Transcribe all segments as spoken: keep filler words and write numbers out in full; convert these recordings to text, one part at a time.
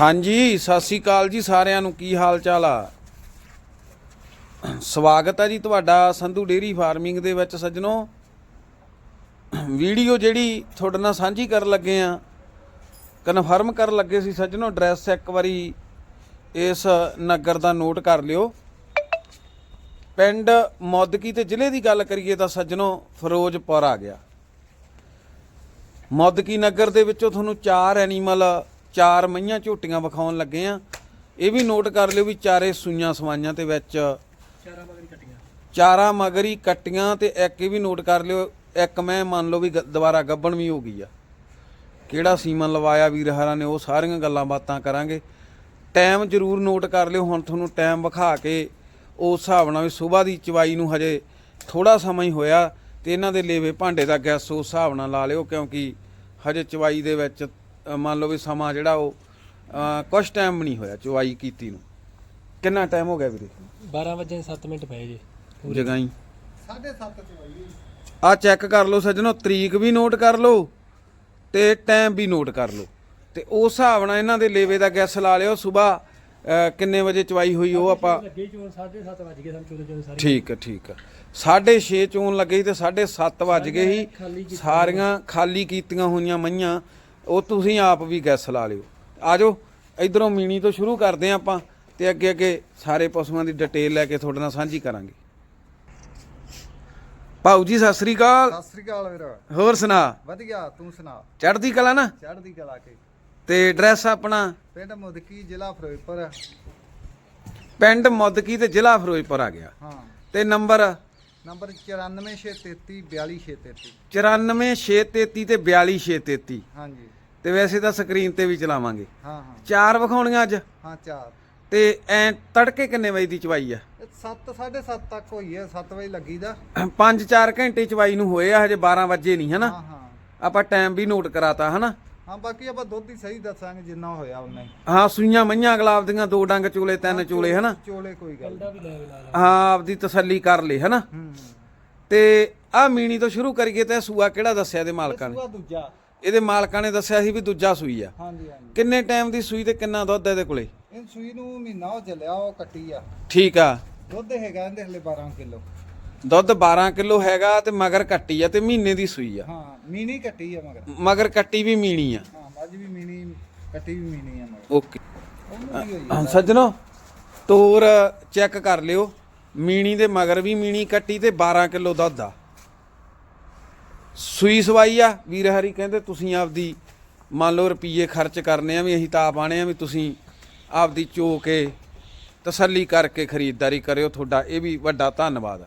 ਹਾਂਜੀ ਸਤਿ ਸ਼੍ਰੀ ਅਕਾਲ ਜੀ ਸਾਰਿਆਂ ਨੂੰ। ਕੀ ਹਾਲ ਚਾਲ ਆ? ਸਵਾਗਤ ਹੈ ਜੀ ਤੁਹਾਡਾ ਸੰਧੂ ਡੇਅਰੀ ਫਾਰਮਿੰਗ ਦੇ ਵਿੱਚ। ਸੱਜਣੋ, ਵੀਡੀਓ ਜਿਹੜੀ ਤੁਹਾਡੇ ਨਾਲ ਸਾਂਝੀ ਕਰਨ ਲੱਗੇ ਆ, ਕਨਫਰਮ ਕਰਨ ਲੱਗੇ ਸੀ ਸੱਜਣੋ। ਐਡਰੈਸ ਇੱਕ ਵਾਰੀ ਇਸ ਨਗਰ ਦਾ ਨੋਟ ਕਰ ਲਿਓ। ਪਿੰਡ ਮੌਦਕੀ ਤੇ ਜ਼ਿਲ੍ਹੇ ਦੀ ਗੱਲ ਕਰੀਏ ਤਾਂ ਸੱਜਣੋ ਫਿਰੋਜ਼ਪੁਰ ਆ ਗਿਆ। ਮੌਦਕੀ ਨਗਰ ਦੇ ਵਿੱਚੋਂ ਤੁਹਾਨੂੰ ਚਾਰ ਐਨੀਮਲ, ਚਾਰ ਮਈਆਂ ਝੋਟੀਆਂ ਵਿਖਾਉਣ ਲੱਗੇ ਆ। ਇਹ ਵੀ ਨੋਟ ਕਰ ਲਿਓ ਵੀ ਚਾਰੇ ਸੂਈਆਂ ਸਵਾਈਆਂ ਤੇ ਵਿੱਚ ਚਾਰਾਂ ਮਗਰੀ ਕੱਟੀਆਂ, ਚਾਰਾਂ ਮਗਰੀ ਕੱਟੀਆਂ। ਤੇ ਇੱਕ ਇਹ ਵੀ ਨੋਟ ਕਰ ਲਿਓ, ਇੱਕ ਮੈਂ ਮੰਨ ਲਓ ਵੀ ਦੁਬਾਰਾ ਗੱਬਣ ਵੀ ਹੋ ਗਈ ਆ। ਕਿਹੜਾ ਸੀਮਨ ਲਵਾਇਆ ਵੀਰ ਹਰਾਂ ਨੇ, ਉਹ ਸਾਰੀਆਂ ਗੱਲਾਂ ਬਾਤਾਂ ਕਰਾਂਗੇ। ਟਾਈਮ ਜ਼ਰੂਰ ਨੋਟ ਕਰ ਲਿਓ। ਹੁਣ ਤੁਹਾਨੂੰ ਟਾਈਮ ਵਿਖਾ ਕੇ ਉਸ ਹਿਸਾਬ ਨਾਲ ਵੀ ਸੁਬਾਹ ਦੀ ਚਵਾਈ ਨੂੰ ਹਜੇ ਥੋੜਾ ਸਮਾਂ ਹੀ ਹੋਇਆ ਤੇ ਇਹਨਾਂ ਦੇ ਲੇਵੇ ਭਾਂਡੇ ਦਾ ਗੈਸ ਉਸ ਹਿਸਾਬ ਨਾਲ ਲਾ ਲਿਓ, ਕਿਉਂਕਿ ਹਜੇ ਚਵਾਈ ਦੇ ਵਿੱਚ ਮੰਨ ਲਓ ਵੀ ਸਮਾਂ ਜਿਹੜਾ ਉਹ ਕੁਛ ਟਾਈਮ ਵੀ ਨਹੀਂ ਹੋਇਆ ਚਵਾਈ ਕੀਤੀ ਨੂੰ। ਕਿੰਨਾ ਟਾਈਮ ਹੋ ਗਿਆ ਵੀਰੇ? ਬਾਰਾਂ ਵਜੇ ਸੱਤ ਮਿੰਟ ਪਏ ਜੀ ਜਗਾਈ ਸਾਢੇ ਸੱਤ ਚਵਾਈ। ਆ ਚੈੱਕ ਕਰ ਲਓ ਸੱਜਣੋ, ਤਰੀਕ ਵੀ ਨੋਟ ਕਰ ਲਓ ਤੇ ਟਾਈਮ ਵੀ ਨੋਟ ਕਰ ਲਓ ਤੇ ਉਸ ਹਿਸਾਬ ਨਾਲ ਇਹਨਾਂ ਦੇ ਲੇਵੇ ਦਾ ਗੈਸ ਲਾ ਲਿਓ। ਸੁਬਾਹ ਕਿੰਨੇ ਵਜੇ ਚਵਾਈ ਹੋਈ ਉਹ ਆਪਾਂ ਲੱਗੇ ਚੋਣ ਸਾਢੇ ਸੱਤ ਵਜ ਗਏ ਸਾਨੂੰ ਚੋਲੇ ਚੋਲੇ ਸਾਰੇ। ਠੀਕ ਹੈ ਠੀਕ ਹੈ। ਸਾਢੇ ਛੇ ਚੋਣ ਲੱਗੇ ਤੇ ਸਾਢੇ ਸੱਤ ਵੱਜ ਗਏ ਸੀ। ਸਾਰੀਆਂ ਖਾਲੀ ਕੀਤੀਆਂ ਹੋਈਆਂ ਮਈਆਂ, ਉਹ ਤੁਸੀਂ ਆਪ ਵੀ ਗੈਸ ਲਾ ਲਿਓ। ਆ ਜਾਓ ਇਧਰੋਂ ਮੀਣੀ ਤੋਂ ਸ਼ੁਰੂ ਕਰਦੇ ਹਾਂ ਆਪਾਂ ਤੇ ਅੱਗੇ ਅੱਗੇ ਸਾਰੇ ਪਸ਼ੂਆਂ ਦੀ ਡਿਟੇਲ ਲੈ ਕੇ ਤੁਹਾਡੇ ਨਾਲ ਸਾਂਝੀ ਕਰਾਂਗੇ। ਭਾਊ ਜੀ ਸਤਿ ਸ੍ਰੀ ਅਕਾਲ। ਸਤਿ ਸ੍ਰੀ ਅਕਾਲ ਵੀਰ। ਹੋਰ ਸੁਣਾ? ਵਧੀਆ, ਤੂੰ ਸੁਣਾ? ਚੜ੍ਹਦੀ ਕਲਾ ਨਾ? ਚੜ੍ਹਦੀ ਕਲਾ ਕੇ। ਤੇ ਐਡਰੈਸ ਆਪਣਾ? ਪਿੰਡ ਮੁਦਕੀ, ਜ਼ਿਲ੍ਹਾ ਫਿਰੋਜ਼ਪੁਰ। ਪਿੰਡ ਮੁਦਕੀ ਤੇ ਜ਼ਿਲ੍ਹਾ ਫਿਰੋਜ਼ਪੁਰ ਆ ਗਿਆ। ਹਾਂ। ਤੇ ਨੰਬਰ? ਨੰਬਰ ਚੁਰਾਨਵੇਂ ਛੇ ਤੇਤੀ ਬਿਆਲੀ ਛੇ ਤੇਤੀ। ਚੁਰਾਨਵੇਂ ਛੇ ਤੇਤੀ ਤੇ ਬਿਆਲੀ ਛੇ ਤੇਤੀ। ਹਾਂਜੀ। ਤੇ ਵੈਸੇ ਤਾਂ ਸਕਰੀਨ ਤੇ ਵੀ ਚਲਾਵਾਂਗੇ। ਹਾਂ ਹਾਂ। ਚਾਰ ਵਿਖਾਉਣੀਆਂ ਅੱਜ? ਹਾਂ ਚਾਰ। ਤੇ ਐ ਤੜਕੇ ਕਿੰਨੇ ਵਜੇ ਦੀ ਚਵਾਈ ਆ? ਸੱਤ ਸਾਢੇ ਸੱਤ ਤੱਕ ਹੋਈ ਹੈ, ਸੱਤ ਵਜੇ ਲੱਗੀ ਦਾ। ਪੰਜ ਚਾਰ ਘੰਟੇ ਚਵਾਈ ਨੂੰ ਹੋਏ ਆ, ਹਜੇ ਬਾਰਾਂ ਵਜੇ ਨਹੀਂ ਹਨਾ? ਹਾਂ ਹਾਂ। ਆਪਾਂ ਟਾਈਮ ਵੀ ਨੋਟ ਕਰਾਤਾ ਹਨਾ? ਹਾਂ, ਬਾਕੀ ਆਪਾਂ ਦੁੱਧ ਹੀ ਸਹੀ ਦੱਸਾਂਗੇ ਜਿੰਨਾ ਹੋਇਆ ਉਨਾ ਹੀ। ਹਾਂ, ਸੂਈਆਂ ਮਈਆਂ ਗੁਲਾਬ ਦੀਆਂ, ਦੋ ਡੰਗ ਚੋਲੇ, ਤਿੰਨ ਚੋਲੇ ਹਨਾ? ਚੋਲੇ ਕੋਈ ਗੱਲ ਨਹੀਂ। ਹਾਂ, ਆਪਦੀ ਤਸੱਲੀ ਕਰ ਲਈ ਹਨਾ? ਹੂੰ। ਤੇ ਆ ਮੀਣੀ ਤੋਂ ਸ਼ੁਰੂ ਕਰੀਏ ਤੇ ਸੂਆ ਕਿਹੜਾ ਦੱਸਿਆ ਇਹਦੇ ਮਾਲਕਾਂ ਨੇ? ਸੂਆ ਦੂਜਾ। ਇਹਦੇ ਮਾਲਕਾਂ ਨੇ ਦੱਸਿਆ ਸੀ ਵੀ ਦੂਜਾ ਸੂਈ ਆ। ਹਾਂਜੀ ਹਾਂਜੀ। ਕਿੰਨੇ ਟਾਈਮ ਦੀ ਸੂਈ ਤੇ ਕਿੰਨਾ ਦੁੱਧ ਇਹਦੇ ਕੋਲੇ? ਇਹ ਸੂਈ ਨੂੰ ਮਹੀਨਾ ਹੋ ਚੱਲਿਆ, ਉਹ ਕੱਟੀ ਆ। ਠੀਕ ਆ। ਦੁੱਧ ਹੈਗਾ ਇਹਦੇ ਹਲੇ ਬਾਰਾਂ ਕਿਲੋ। ਦੁੱਧ ਬਾਰਾਂ ਕਿਲੋ ਹੈਗਾ ਤੇ ਮਗਰ ਕੱਟੀ ਆ ਤੇ ਮਹੀਨੇ ਦੀ ਸੂਈ ਆ। ਹਾਂ, ਮੀਨੀ ਕੱਟੀ ਆ ਮਗਰ। ਮਗਰ ਕੱਟੀ ਵੀ ਮੀਣੀ ਆ। ਹਾਂ, ਮੱਝ ਵੀ ਮੀਨੀ, ਕੱਟੀ ਵੀ ਮੀਨੀ ਆ ਮਗਰ। ਓਕੇ ਉਹਨੂੰ ਕੀ ਹੋਈ? ਸੱਜਣੋ, ਤੋਰ ਚੈੱਕ ਕਰ ਲਿਓ। ਮੀਣੀ ਦੇ ਮਗਰ ਵੀ ਮੀਣੀ ਕੱਟੀ ਤੇ ਬਾਰਾਂ ਕਿਲੋ ਦੁੱਧ ਆ। ਸੂਈ ਸਵਾਈ ਆ। ਵੀਰ ਹਰੀ ਕਹਿੰਦੇ ਤੁਸੀਂ ਆਪਦੀ ਮੰਨ ਲਓ ਰੁਪਈਏ ਖਰਚ ਕਰਨੇ ਆ, ਵੀ ਅਸੀਂ ਤਾਂ ਆਪ ਆਣੇ ਆ, ਵੀ ਤੁਸੀਂ ਆਪਦੀ ਚੋ ਕੇ ਤਸੱਲੀ ਕਰਕੇ ਖਰੀਦਦਾਰੀ ਕਰਿਓ। ਤੁਹਾਡਾ ਇਹ ਵੀ ਵੱਡਾ ਧੰਨਵਾਦ ਆ।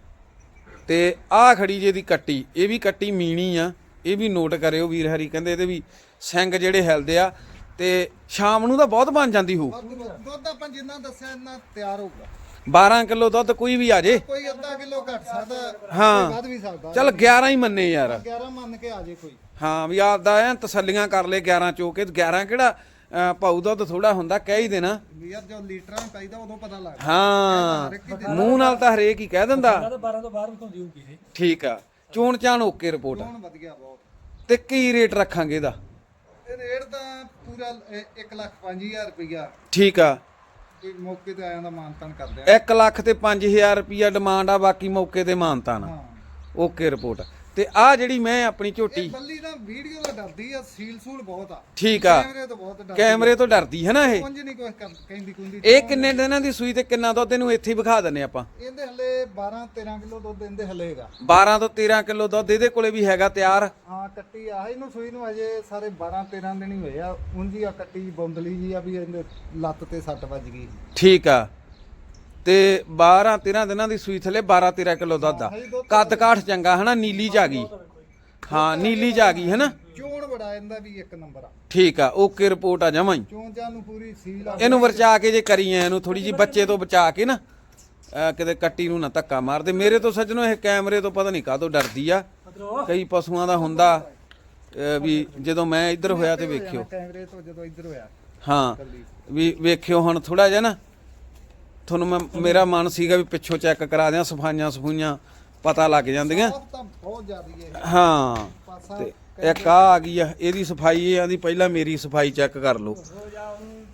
ਤੇ ਆਹ ਖੜੀ ਜੇ ਦੀ ਕੱਟੀ, ਇਹ ਵੀ ਕੱਟੀ ਮੀਣੀ ਆ, ਇਹ ਵੀ ਨੋਟ ਕਰਿਓ। ਵੀਰ ਹਰੀ ਕਹਿੰਦੇ ਇਹਦੇ ਵੀ ਸਿੰਘ ਜਿਹੜੇ ਹਿਲਦੇ ਆ ਤੇ ਸ਼ਾਮ ਨੂੰ ਤਾਂ ਬਹੁਤ ਬਣ ਜਾਂਦੀ ਹੋਊ। ਦੁੱਧ ਆਪਾਂ ਜਿੰਨਾ ਦੱਸਿਆ ਇੰਨਾ ਤਿਆਰ ਹੋਊਗਾ। ਬਾਰਾਂ ਕਿਲੋ ਦੁੱਧ ਕੋਈ ਵੀ ਆ ਜੇ, ਕੋਈ ਅੱਧਾ ਕਿਲੋ ਘੱਟ ਸਕਦਾ, ਹਾਂ ਵੱਧ ਵੀ ਸਕਦਾ। ਚੱਲ ਗਿਆਰਾਂ ਹੀ ਮੰਨੇ ਯਾਰ। ਗਿਆਰਾਂ ਮੰਨ ਕੇ ਆ ਜੇ ਕੋਈ। ਹਾਂ, ਵੀ ਆਪਦਾ ਐ ਤਸੱਲੀਆਂ ਕਰ ਲੈ। ਗਿਆਰਾਂ ਚੋ ਕੇ ਗਿਆਰਾਂ ਕਿਹੜਾ ਭਾਊ ਦੁੱਧ ਥੋੜਾ ਹੁੰਦਾ, ਕਹਿ ਹੀ ਦੇਣਾ ਯਾਰ ਜਦੋਂ ਲੀਟਰਾਂ ਪਾਈਦਾ ਉਦੋਂ ਪਤਾ ਲੱਗਦਾ। ਹਾਂ, ਮੂੰਹ ਨਾਲ ਤਾਂ ਹਰੇਕ ਹੀ ਕਹਿ ਦਿੰਦਾ। ਬਾਰਾਂ ਤੋਂ ਬਾਹਰ ਵਿਖਾਉਂਦੀ ਹੋਊਗੀ ਇਹ। ਠੀਕ ਆ। ਚੋਣ ਚਾਣ ਓਕੇ ਰਿਪੋਰਟ। ਹੁਣ ਵਧੀਆ ਬਹੁਤ। ਤੇ ਕੀ ਰੇਟ ਰੱਖਾਂਗੇ ਇਹਦਾ? ਇਹ ਰੇਟ ਤਾਂ ਪੂਰਾ ਇੱਕ ਲੱਖ ਪੰਜ ਹਜ਼ਾਰ ਰੁਪਈਆ। ਠੀਕ ਆ। ਕੋਈ ਮੌਕੇ ਤੇ ਆਇਆ ਦਾ ਮਾਨਤਾਨ ਕਰਦੇ ਆ। ਇੱਕ ਲੱਖ ਤੇ ਪੰਜ ਹਜ਼ਾਰ ਰੁਪਈਆ ਡਿਮਾਂਡ ਆ, ਬਾਕੀ ਮੌਕੇ ਤੇ ਮਾਨਤਾਨ। ਹਾਂ। Okay report. ਤੇ ਆ ਜਿਹੜੀ ਮੈਂ ਆਪਣੀ ਝੋਟੀ, ਇਹ ਬੱਲੀ ਨਾ ਵੀਡੀਓ ਦਾ ਡਰਦੀ ਆ, ਸੀਲ ਸੂਲ ਬਹੁਤ ਆ। ਠੀਕ ਆ। ਕੈਮਰੇ ਤੋਂ ਬਹੁਤ ਡਰਦੀ। ਕੈਮਰੇ ਤੋਂ ਡਰਦੀ ਹੈ ਨਾ ਇਹ? ਕੁੰਝ ਨਹੀਂ ਕੁਝ ਕਹਿੰਦੀ ਕੁੰਦੀ। ਇਹ ਕਿੰਨੇ ਦਿਨਾਂ ਦੀ ਸੂਈ ਤੇ ਕਿੰਨਾ ਦੁੱਧ ਇਹਨੂੰ ਇੱਥੇ ਹੀ ਵਿਖਾ ਦਿੰਨੇ ਆਪਾਂ? ਇਹਦੇ ਹਲੇ ਬਾਰਾਂ ਤੇਰਾਂ ਕਿਲੋ ਦੁੱਧ ਇਹਦੇ ਹਲੇ ਹੈਗਾ। ਬਾਰਾਂ ਤੋਂ ਤੇਰਾਂ ਕਿਲੋ ਦੁੱਧ ਇਹਦੇ ਕੋਲੇ ਵੀ ਹੈਗਾ ਤਿਆਰ। ਹਾਂ, ਕੱਟੀ ਆ ਇਹਨੂੰ ਸੂਈ ਨੂੰ ਅਜੇ ਸਾਰੇ ਬਾਰਾਂ ਤੇਰਾਂ ਦਿਨ ਹੀ ਹੋਏ ਆ। ਉਂਝ ਆ ਕੱਟੀ ਬੌਂਦਲੀ ਜੀ ਆ, ਵੀ ਇਹਦੇ ਲੱਤ ਤੇ ਸੱਟ ਵੱਜ ਗਈ। ਠੀਕ ਆ। ਤੇ ਬਾਰਾਂ ਤੇਰਾਂ ਦਿਨਾਂ ਦੀ ਸੂਈ ਥੱਲੇ ਬਾਰਾਂ ਤੇਰਾਂ ਕਿਲੋ ਦੁੱਧ ਆ। ਕੱਦ ਕਾਠ ਚੰਗਾ ਹਨਾ? ਨੀਲੀ ਚ ਆ ਗਈ। ਹਾਂ, ਨੀਲੀ ਚ ਆ ਗਈ ਹਨਾ? ਚੋਣ ਬੜਾ ਇਹਦਾ ਵੀ ਇੱਕ ਨੰਬਰ ਆ। ਠੀਕ ਆ। ਓਕੇ ਰਿਪੋਰਟ ਆ ਜਮਾਂ ਹੀ। ਚੋਣ ਚਾਂ ਨੂੰ ਪੂਰੀ ਸੀਲ ਆ। ਇਹਨੂੰ ਵਰਚਾ ਕੇ ਜੇ ਕਰੀ ਐ, ਇਹਨੂੰ ਥੋੜੀ ਜੀ ਬੱਚੇ ਤੋਂ ਬਚਾ ਕੇ ਨਾ, ਕਿਤੇ ਕੱਟੀ ਨੂੰ ਨਾ ਧੱਕਾ ਮਾਰਦੇ। ਮੇਰੇ ਤੋਂ ਸੱਜਣੋ ਇਹ ਕੈਮਰੇ ਤੋਂ ਪਤਾ ਨਹੀਂ ਕਾਹਤੋਂ ਡਰਦੀ ਆ। ਕਈ ਪਸ਼ੂਆਂ ਦਾ ਹੁੰਦਾ ਵੀ ਜਦੋਂ ਮੈਂ ਇੱਧਰ ਹੋਇਆ ਤੇ ਵੇਖਿਓ। ਕੈਮਰੇ ਤੋਂ ਜਦੋਂ ਇੱਧਰ ਹੋਇਆ। ਹਾਂ, ਵੀ ਵੇਖਿਓ ਹੁਣ ਥੋੜਾ ਜਿਹਾ ਨਾ ਤੁਹਾਨੂੰ ਮੈਂ, ਮੇਰਾ ਮਨ ਸੀਗਾ ਵੀ ਪਿੱਛੋਂ ਚੈੱਕ ਕਰਾ ਦਿਆਂ, ਸਫਾਈਆਂ ਸਫੂਈਆਂ ਪਤਾ ਲੱਗ ਜਾਂਦੀਆਂ। ਬਹੁਤ ਜ਼ਿਆਦੀ ਹੈ। ਹਾਂ, ਤੇ ਇੱਕ ਆ ਆ ਗਈ ਆ, ਇਹਦੀ ਸਫਾਈ ਇਹ ਆਂਦੀ ਪਹਿਲਾਂ ਮੇਰੀ ਸਫਾਈ ਚੈੱਕ ਕਰ ਲਓ।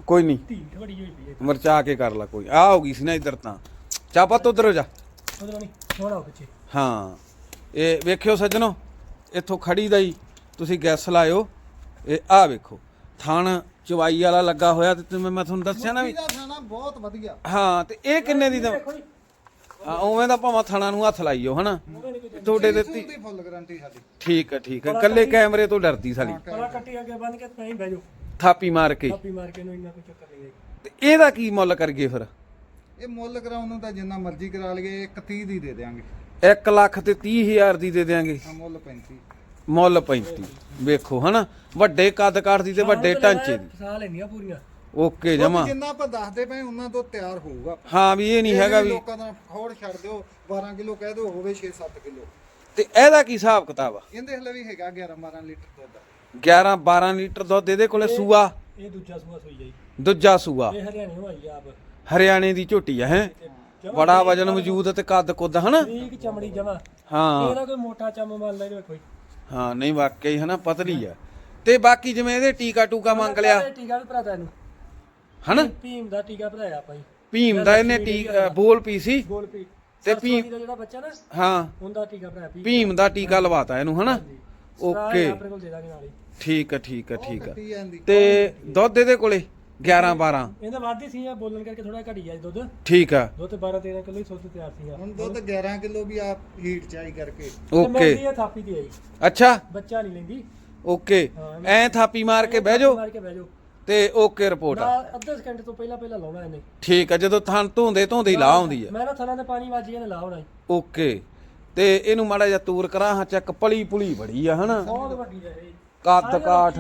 ਕੋਈ ਨਹੀਂ ਧੀ ਥੋੜੀ ਜਿਹੀ ਪਈ ਹੈ ਮਰਚਾ ਕੇ ਕਰ ਲਾ ਕੋਈ ਆ ਹੋ ਗਈ ਸੀ ਨਾ ਇੱਧਰ ਤਾਂ ਚਾਪਤ ਉਧਰ ਹੋ ਜਾ ਉਧਰੋਂ ਨਹੀਂ ਥੋੜਾ ਪਿੱਛੇ ਹਾਂ ਇਹ ਵੇਖਿਓ ਸੱਜਣੋ ਇੱਥੋਂ ਖੜੀ ਦਾ ਹੀ ਤੁਸੀਂ ਗੈਸ ਲਾਇਓ ਇਹ ਆ ਵੇਖੋ ਥਣ ਚਵਾਈ ਵਾਲਾ ਲੱਗਾ ਹੋਇਆ ਤੇ ਮੈਂ ਮੈਂ ਤੁਹਾਨੂੰ ਦੱਸਿਆ ਨਾ ਵੀ ਇਹਦਾ ਖਾਣਾ ਬਹੁਤ ਵਧੀਆ। ਹਾਂ ਤੇ ਇਹ ਕਿੰਨੇ ਦੀ ਦਵਾਂ ਹਾਂ ਉਵੇਂ ਦਾ ਭਾਵੇਂ ਥਣਾ ਨੂੰ ਹੱਥ ਲਾਈਓ ਹਨਾ ਤੁਹਾਡੇ ਦਿੱਤੀ ਦੀ ਫੁੱਲ ਗਾਰੰਟੀ ਸਾਡੀ। ਠੀਕ ਹੈ ਠੀਕ ਹੈ ਕੱਲੇ ਕੈਮਰੇ ਤੋਂ ਡਰਦੀ ਸਾਲੀ ਪਲਾ ਕੱਟੀ ਅੱਗੇ ਬੰਨ ਕੇ ਤਾਂ ਹੀ ਬਹਿ ਜਾਓ ਥਾਪੀ ਮਾਰ ਕੇ ਕਾਪੀ ਮਾਰ ਕੇ ਨੂੰ ਇੰਨਾ ਕੋਈ ਚੱਕਰ ਨਹੀਂ ਹੈ ਤੇ ਇਹਦਾ ਕੀ ਮੁੱਲ ਕਰਗੇ ਫਿਰ ਇਹ ਮੁੱਲ ਕਰਾਉਣ ਨੂੰ ਤਾਂ ਜਿੰਨਾ ਮਰਜ਼ੀ ਕਰਾ ਲਈਏ ਇੱਕ ਤੀਹ ਦੀ ਦੇ ਦੇਾਂਗੇ। ਇੱਕ ਲੱਖ ਤੇ ਤੀਹ ਹਜ਼ਾਰ ਦੀ ਦੇ ਦਿਆਂਗੇ ਆ ਮੁੱਲ ਪੈਂਤੀ। ਮੁੱਲ ਪੈਂਤੀ ਵੇਖੋ ਹਨਾ ਵੱਡੇ ਕੱਦ ਕਾਠ ਦੀ ਤੇ ਵੱਡੇ ਢਾਂਚੇ ਦੀ ਫਸਾ ਲੈਣੀਆਂ ਪੂਰੀਆਂ ਓਕੇ ਜਮਾ ਜਿੰਨਾ ਆਪਾਂ ਦੱਸਦੇ ਪਏ ਉਹਨਾਂ ਤੋਂ ਤਿਆਰ ਹੋਊਗਾ। ਹਾਂ ਵੀ ਇਹ ਨਹੀਂ ਹੈਗਾ ਵੀ ਲੋਕਾਂ ਦਾ ਖੋੜ ਛੱਡ ਦਿਓ ਬਾਰਾਂ ਕਿਲੋ ਕਹਿ ਦਿਓ ਹੋਵੇ ਛੇ ਸੱਤ ਕਿਲੋ। ਤੇ ਇਹਦਾ ਕੀ ਹਿਸਾਬ ਕਿਤਾਬ ਆ ਇਹਦੇ ਹਲੇ ਵੀ ਹੈਗਾ ਗਿਆਰਾਂ ਬਾਰਾਂ ਲੀਟਰ ਦੁੱਧ। ਗਿਆਰਾਂ ਬਾਰਾਂ ਲੀਟਰ ਦੁੱਧ ਇਹਦੇ ਕੋਲੇ ਸੂਆ ਇਹ ਦੂਜਾ ਸੂਆ ਸੋਈ ਜਾਈ ਦੂਜਾ ਸੂਆ ਇਹ ਹਰਿਆਣੇ ਹੋਈ ਆਪ ਹਰਿਆਣੇ ਦੀ ਝੋਟੀ ਆ ਹੈ ਬੜਾ ਵਜਨ ਮੌਜੂਦ ਤੇ ਕੱਦ ਕੁੱਦ ਹਨਾ ਠੀਕ ਚਮੜੀ ਜਮਾ ਹਾਂ ਇਹਦਾ ਕੋਈ ਮੋਟਾ ਚੰਮ ਮੰਨ ਲੈ ਕੋਈ ਹਾਂ ਨਹੀਂ ਵਾਕਈ ਹਨਾ ਪਤਲੀ ਆ ਤੇ ਬਾਕੀ ਜਿਵੇਂ ਇਹਦੇ ਟੀਕਾ ਟੂਕਾ ਮੰਗ ਲਿਆ ਟੀਕਾ ਵੀ ਭਰਾਤਾ ਇਹਨੂੰ ਹਨਾ ਭੀਮ ਦਾ ਟੀਕਾ ਭਰਾਇਆ ਆਪਾਂ ਜੀ ਭੀਮ ਦਾ ਇਹਨੇ ਟੀ ਬੋਲ ਪੀ ਸੀ ਗੋਲ ਪੀ ਤੇ ਤੇ ਭੀਮ ਦਾ ਜਿਹੜਾ ਬੱਚਾ ਨਾ ਹਾਂ ਉਹਦਾ ਟੀਕਾ ਭਰਾਇਆ ਭੀਮ ਭੀਮ ਦਾ ਟੀਕਾ ਲਵਾਤਾ ਇਹਨੂੰ ਹਨਾ ਓਕੇ ਆਪਣੇ ਕੋਲ ਦੇ ਦਾਂਗੇ ਨਾਲ ਹੀ ਠੀਕ ਆ ਠੀਕ ਆ ਠੀਕ ਆ ਕੱਟੀ ਜਾਂਦੀ। ਤੇ ਦੁੱਧ ਇਹਦੇ ਕੋਲੇ ਗਿਆਰਾਂ ਬਾਰਾਂ ਇਹਦਾ ਵਾਧੀ ਸੀ ਆ ਬੋਲਣ ਕਰਕੇ ਥੋੜਾ ਘਟੀ ਗਿਆ ਦੁੱਧ ਠੀਕ ਆ ਦੁੱਧ ਬਾਰਾਂ ਤੇਰਾਂ ਕਿਲੋ ਹੀ ਸੁੱਧ ਤਿਆਰ ਸੀਗਾ ਹੁਣ ਦੁੱਧ ਗਿਆਰਾਂ ਕਿਲੋ ਵੀ ਆ ਹੀਟ ਚਾਈ ਕਰਕੇ। ਓਕੇ ਇਹ ਥਾਪੀ ਤੇ ਆਈ ਅੱਛਾ ਬੱਚਾ ਨਹੀਂ ਲੈਂਦੀ ਓਕੇ ਐ ਥਾਪੀ ਮਾਰ ਕੇ ਬਹਿ ਜਾਓ ਮਾਰ ਕੇ ਬਹਿ ਜਾਓ ਤੇ ਓਕੇ ਰਿਪੋਰਟ ਆ ਨਾ ਅੱਧੇ ਸਕਿੰਟ ਤੋਂ ਪਹਿਲਾਂ ਪਹਿਲਾਂ ਲਾਉਣਾ ਇਹਨੇ ਠੀਕ ਆ ਜਦੋਂ ਥਣ ਧੋਂਦੇ ਧੋਂਦੇ ਹੀ ਲਾ ਆਉਂਦੀ ਆ ਮੈਂ ਨਾ ਥਲਾਂ ਤੇ ਪਾਣੀ ਵੱਜ ਗਿਆ ਨੇ ਲਾ ਹੋਣਾ ਓਕੇ ਤੇ ਇਹਨੂੰ ਮਾੜਾ ਜਿਹਾ ਤੂਰ ਕਰਾਂ ਹਾਂ ਚੱਕ ਪਲੀ ਪੁਲੀ ਬੜੀ ਆ ਹਨਾ ਬਹੁਤ ਵੱਡੀ ਹੈ ਇਹ ਕੱਦ ਕਾਠ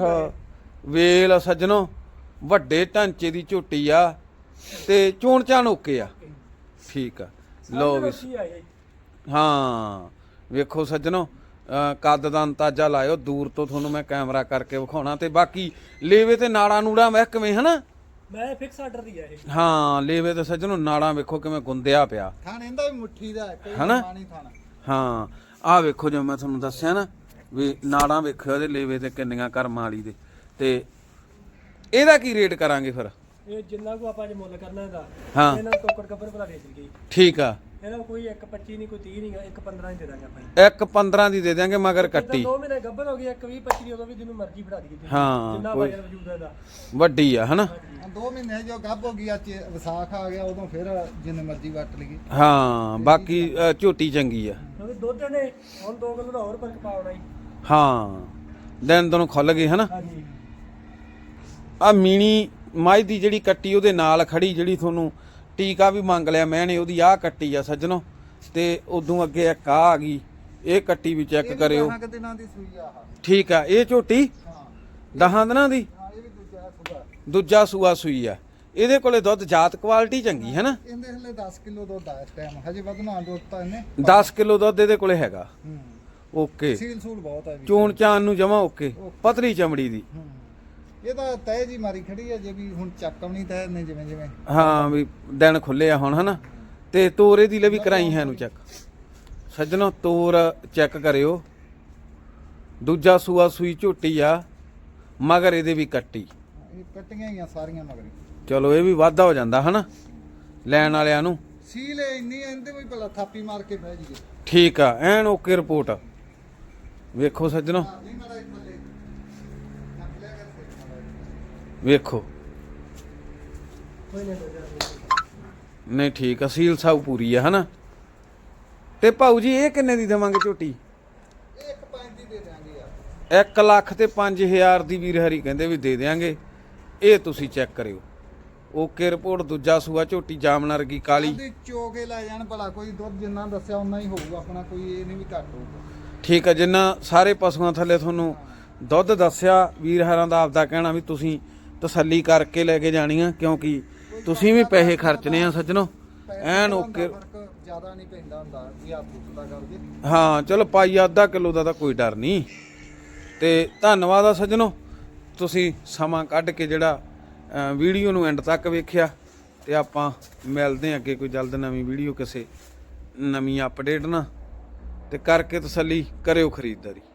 ਵੇਲ ਸੱਜਣੋ ਵੱਡੇ ਢਾਂਚੇ ਦੀ ਝੋਟੀ ਆ ਤੇ ਚੋਣ ਚਾਣ ਓਕੇ ਆ ਠੀਕ ਆ ਲੋ ਵੀ ਕੀ ਆਈ ਹਾਂ ਵੇਖੋ ਸੱਜਣੋ ਅਹ ਕੱਦ ਦਾ ਅੰਦਾਜ਼ਾ ਲਾਇਓ ਦੂਰ ਤੋਂ ਤੁਹਾਨੂੰ ਮੈਂ ਕੈਮਰਾ ਕਰਕੇ ਵਿਖਾਉਣਾ ਤੇ ਬਾਕੀ ਲੇਵੇ ਤੇ ਨਾੜਾਂ ਨੂੜਾਂ ਵੇਖ ਕਿਵੇਂ ਹਨਾ ਮੈਂ ਫਿਕਸ ਆਰਡਰ ਦੀ ਆ ਇਹ ਹਾਂ ਲੇਵੇ ਤੇ ਸੱਜਣੋ ਨਾੜਾਂ ਵੇਖੋ ਕਿਵੇਂ ਗੁੰਦਿਆ ਪਿਆ ਥਣ ਇਹਦਾ ਵੀ ਮੁੱਠੀ ਦਾ ਹੈ, ਕੋਈ ਹਨਾ? ਪਾਣੀ ਥਣ। ਹਾਂ ਆਹ ਵੇਖੋ ਜਿਵੇਂ ਮੈਂ ਤੁਹਾਨੂੰ ਦੱਸਿਆ ਨਾ ਵੀ ਨਾੜਾਂ ਵੇਖਿਓ ਇਹਦੇ ਲੇਵੇ ਤੇ ਕਿੰਨੀਆਂ ਕਰਮਾਂ ਵਾਲੀ ਦੇ ਤੇ ਇਹਦਾ ਕੀ ਰੇਟ ਕਰਾਂਗੇ ਫਿਰ ਇਹ ਜਿੰਨਾ ਕੋ ਆਪਾਂ ਜੇ ਮੁੱਲ ਕਰਨਾ ਇਹਦਾ ਹਾਂ ਇਹਨਾਂ ਨੂੰ ਟੋਕਰ ਕੱਪਰ ਭਰਾ ਦੇ ਦਿੱਤੀ ਠੀਕ ਆ ਇਹਨਾਂ ਨੂੰ ਕੋਈ ਇੱਕ ਪੱਚੀ ਨਹੀਂ ਕੋਈ ਤੀਹ ਨਹੀਂ ਇੱਕ ਪੰਦਰਾਂ ਹੀ ਦੇ ਦਾਂਗੇ ਆਪਾਂ ਇੱਕ ਪੰਦਰਾਂ ਦੀ ਦੇ ਦਿਆਂਗੇ ਮਗਰ ਕੱਟੀ ਦੋ ਮਹੀਨੇ ਗੱਭਰ ਹੋ ਗਈ ਇੱਕ ਵੀਹ ਪੱਚੀ ਦੀ ਉਦੋਂ ਵੀ ਜਿਹਨੂੰ ਮਰਜ਼ੀ ਫੜਾ ਦੀ ਹਾਂ, ਜਿੰਨਾ ਕੋਈ- ਵਜਨ ਵਜੂਦ ਹੈ ਇਹਦਾ ਵੱਡੀ ਆ ਹਨਾ ਹੁਣ ਦੋ ਮਹੀਨੇ ਜੋ ਗੱਭ ਹੋ ਗਈ ਅੱਜ ਵਿਸਾਖ ਆ ਗਿਆ ਉਦੋਂ ਫਿਰ ਜਿੰਨੇ ਮਰਜ਼ੀ ਵੱਟ ਲਈਏ। ਹਾਂ ਬਾਕੀ ਅ, ਝੋਟੀ ਚੰਗੀ ਆ ਕਿਉਂਕਿ ਦੁੱਧ ਨੇ ਹੁਣ ਦੋ ਕਿਲੋ ਦਾ ਹੋਰ ਫਰਕ ਪਾਉਣਾ ਹੀ ਹਾਂ ਦਿਨ ਦਿਨ ਖੁੱਲ ਗਏ ਹਨਾ ਹਾਂਜੀ ਆ ਮੀਣੀ ਮੱਝ ਦੀ ਜਿਹੜੀ ਕੱਟੀ ਉਹਦੇ ਨਾਲ ਖੜੀ ਜਿਹੜੀ ਤੁਹਾਨੂੰ ਟੀਕਾ ਵੀ ਮੰਗ ਲਿਆ ਮੈਂ ਨੇ ਉਹਦੀ ਆਹ ਕੱਟੀ ਆ ਸੱਜਣੋ ਤੇ ਉਦੋਂ ਅੱਗੇ ਇੱਕ ਆ ਆ ਗਈ ਇਹ ਕੱਟੀ ਵੀ ਚੈੱਕ ਕਰਿਓ ਦਸਾਂ ਕੁ ਦਿਨਾਂ ਦੀ ਸੂਈ ਆ ਆਹ। ਠੀਕ ਆ ਇਹ ਝੋਟੀ ਹਾਂ ਦਹਾਂ ਦਿਨਾਂ ਦੀ ਹਾਂ ਇਹ ਵੀ ਦੂਜਾ ਸੁਗਾ। ਦੂਜਾ ਸੂਆ ਸੂਈ ਆ ਇਹਦੇ ਕੋਲੇ ਦੁੱਧ ਜਾਤ ਕੁਆਲਿਟੀ ਚੰਗੀ ਹੈ ਨਾ ਇਹਦੇ ਹਲੇ ਦਸ ਕਿਲੋ ਦੁੱਧ ਆ ਇਸ ਟਾਈਮ ਹਜੇ ਵਧਣਾ ਦੁੱਧ ਤਾਂ ਇਹਨੇ। ਦਸ ਕਿਲੋ ਦੁੱਧ ਇਹਦੇ ਕੋਲੇ ਹੈਗਾ ਹੂੰ ਓਕੇ ਸੀਲ ਸੂਲ ਬਹੁਤ ਹੈ ਵੀ। ਚੋਣ ਚਾਨ ਨੂੰ ਜਮਾ ਓਕੇ ਪਤਲੀ ਚਮੜੀ ਦੀ ਹੂੰ ਇਹ ਤਾਂ ਤੈ ਜੀ ਮਾਰੀ ਖੜੀ ਹੈ ਜੇ ਵੀ ਹੁਣ ਚੱਕਮ ਨਹੀਂ ਤੈ ਨੇ ਜਿਵੇਂ ਜਿਵੇਂ। ਹਾਂ ਵੀ ਦਿਨ ਖੁੱਲੇ ਆ ਹੁਣ ਹਨਾ ਤੇ ਤੋਰੇ ਦੀ ਲੈ ਵੀ ਕਰਾਈ ਹੈ ਨੂੰ ਚੈੱਕ ਸੱਜਣੋ ਤੋਰ ਚੈੱਕ ਕਰਿਓ ਦੂਜਾ ਸੂਆ ਸੂਈ ਝੋਟੀ ਆ ਮਗਰ ਇਹਦੇ ਵੀ ਕੱਟੀ ਇਹ ਕੱਟੀਆਂ ਹੀ ਆ ਸਾਰੀਆਂ ਮਗਰ। ਚਲੋ ਇਹ ਵੀ ਵਾਧਾ ਹੋ ਜਾਂਦਾ ਹਨਾ ਲੈਣ ਵਾਲਿਆਂ ਨੂੰ ਸੀਲ ਇੰਨੀ ਇਹਦੇ ਵੀ ਭਲਾ ਥਾਪੀ ਮਾਰ ਕੇ ਬਹਿ ਜੀਏ। ਠੀਕ ਆ ਐਨ ਓਕੇ ਰਿਪੋਰਟ ਵੇਖੋ ਸੱਜਣੋ ਨਹੀਂ ਮਾਰਾ ਇੱਕ ਥੱਲੇ ਨੱਕ ਲਿਆ ਕਰ ਵੇਖੋ ਕੋਈ ਨਹੀਂ ਨਹੀਂ ਠੀਕ ਆ ਸੀਲ ਸਾਊ ਪੂਰੀ ਆ ਹਨਾ ਤੇ ਭਾਊ ਜੀ ਇਹ ਕਿੰਨੇ ਦੀ ਦੇਵਾਂਗੇ ਝੋਟੀ ਇਹ ਇੱਕ ਪੰਜ ਦੀ ਦੇ ਦਿਆਂਗੇ ਯਾਰ। ਇੱਕ ਲੱਖ ਤੇ ਪੰਜ ਹਜ਼ਾਰ ਦੀ ਵੀਰ ਹਰੀ ਕਹਿੰਦੇ ਵੀ ਦੇ ਦਿਆਂਗੇ ਇਹ ਤੁਸੀਂ ਚੈੱਕ ਕਰਿਓ ਓਕੇ ਰਿਪੋਰਟ ਦੂਜਾ ਸੂਆ ਝੋਟੀ ਜਾਮਨ ਵਰਗੀ ਕਾਲੀ ਆਂਦੀ ਚੋਗੇ ਲੈ ਜਾਣ ਭਲਾ ਕੋਈ ਦੁੱਧ ਜਿੰਨਾ ਦੱਸਿਆ ਉਨਾ ਹੀ ਹੋਊਗਾ ਆਪਣਾ ਕੋਈ ਇਹ ਨਹੀਂ ਵੀ ਘੱਟ ਹੋਊਗਾ। ਠੀਕ ਆ ਜਿੰਨਾ ਸਾਰੇ ਪਸ਼ੂਆਂ ਥੱਲੇ ਤੁਹਾਨੂੰ ਦੁੱਧ ਦੱਸਿਆ ਵੀਰ ਹਰਾਂ ਦਾ ਆਪਦਾ ਕਹਿਣਾ ਵੀ ਤੁਸੀਂ ਤਸੱਲੀ ਕਰਕੇ ਲੈ ਕੇ ਜਾਣੀਆਂ ਕਿਉਂਕਿ ਤੁਸੀਂ ਵੀ ਪੈਸੇ ਖਰਚਨੇ ਆ ਸੱਜਣੋ ਐਨ ਓਕੇ ਫਰਕ ਜ਼ਿਆਦਾ ਨਹੀਂ ਪੈਂਦਾ ਹੁੰਦਾ ਵੀ ਹੱਥ ਉੱਤਦਾ ਕਰਕੇ। ਹਾਂ ਚਲੋ ਪਾਈ ਅੱਧਾ ਕਿਲੋ ਦਾ ਤਾਂ ਕੋਈ ਡਰ ਨਹੀਂ ਤੇ ਧੰਨਵਾਦ ਆ ਸੱਜਣੋ ਤੁਸੀਂ ਸਮਾਂ ਕੱਢ ਕੇ ਜਿਹੜਾ ਅ, ਵੀਡੀਓ ਨੂੰ ਐਂਡ ਤੱਕ ਵੇਖਿਆ ਤੇ ਆਪਾਂ ਮਿਲਦੇ ਹਾਂ ਅੱਗੇ ਕੋਈ ਜਲਦ ਨਵੀਂ ਵੀਡੀਓ ਕਿਸੇ ਨਵੀਂ ਅਪਡੇਟ ਨਾਲ ਤੇ ਕਰਕੇ ਤਸੱਲੀ ਕਰਿਓ ਖਰੀਦਦਾਰੀ।